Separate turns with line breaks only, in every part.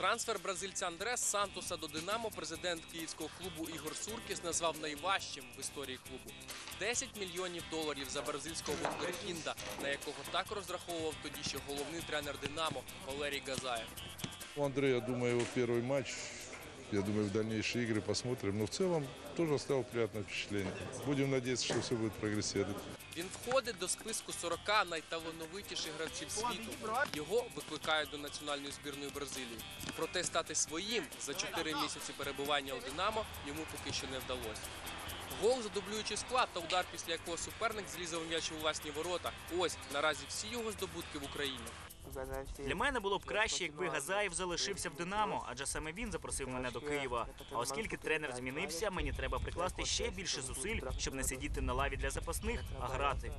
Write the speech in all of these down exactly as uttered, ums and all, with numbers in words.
Трансфер бразильця Андре з Сантоса до «Динамо» президент київського клубу Ігор Суркіс назвав найважчим в історії клубу. десять мільйонів доларів за бразильського вундеркінда, на якого так розраховував тоді ще головний тренер «Динамо» Валерій Газаєв.
У Андрея, я думаю, его первый матч. Я думаю, в дальнейшие игры посмотрим. Но в целом тоже оставил приятное впечатление. Будем надеяться, что все будет прогрессировать.
Він входить до списку сорока найталановитіших гравців світу. Його викликають до національної збірної Бразилії. Проте стати своїм за чотири місяці перебування у «Динамо» йому поки що не вдалося. Гол за дублюючий склад та удар, після якого суперник зрізав м'яч у власні ворота. Ось наразі всі його здобутки в Україні.
Для мене було б краще, якби Газаєв залишився в «Динамо», адже саме він запросив мене до Києва. А оскільки тренер змінився, мені треба прикласти ще більше зусиль, щоб не сидіти на лаві для запасних, а грати.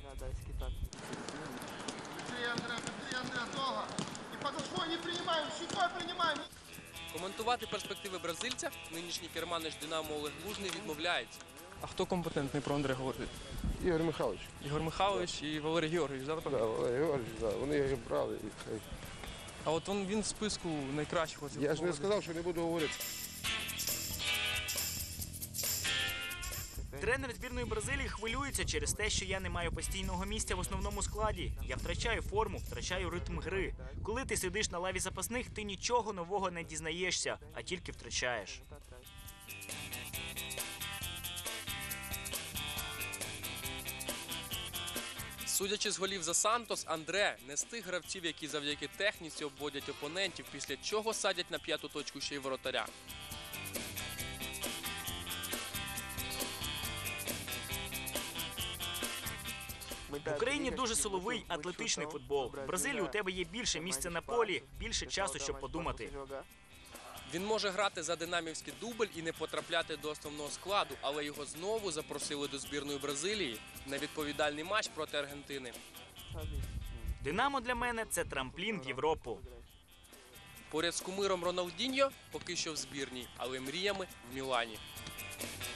Коментувати перспективи бразильця нинішній керманич «Динамо» Олег Лужний відмовляється.
А хто компетентний про Андре говорить?
Ігор Михайлович.
Ігор Михайлович і Валерій Георгійович, да,
Да,
напевно?
Валерій Георгійович, да. Вони його брали.
А от він, він в списку найкращих. Оцих
Я ж не сказав, що не буду говорити.
Тренер збірної Бразилії хвилюється через те, що я не маю постійного місця в основному складі. Я втрачаю форму, втрачаю ритм гри. Коли ти сидиш на лаві запасних, ти нічого нового не дізнаєшся, а тільки втрачаєш.
Судячи з голів за «Сантос», Андре не з тих гравців, які завдяки техніці обводять опонентів, після чого садять на п'яту точку ще й воротаря.
В Україні дуже силовий, атлетичний футбол. В Бразилії у тебе є більше місця на полі, більше часу, щоб подумати.
Він може грати за динамівський дубль і не потрапляти до основного складу, але його знову запросили до збірної Бразилії на відповідальний матч проти Аргентини.
«Динамо» для мене – це трамплін в Європу.
Поряд з кумиром Роналдіньо поки що в збірній, але мріями в Мілані.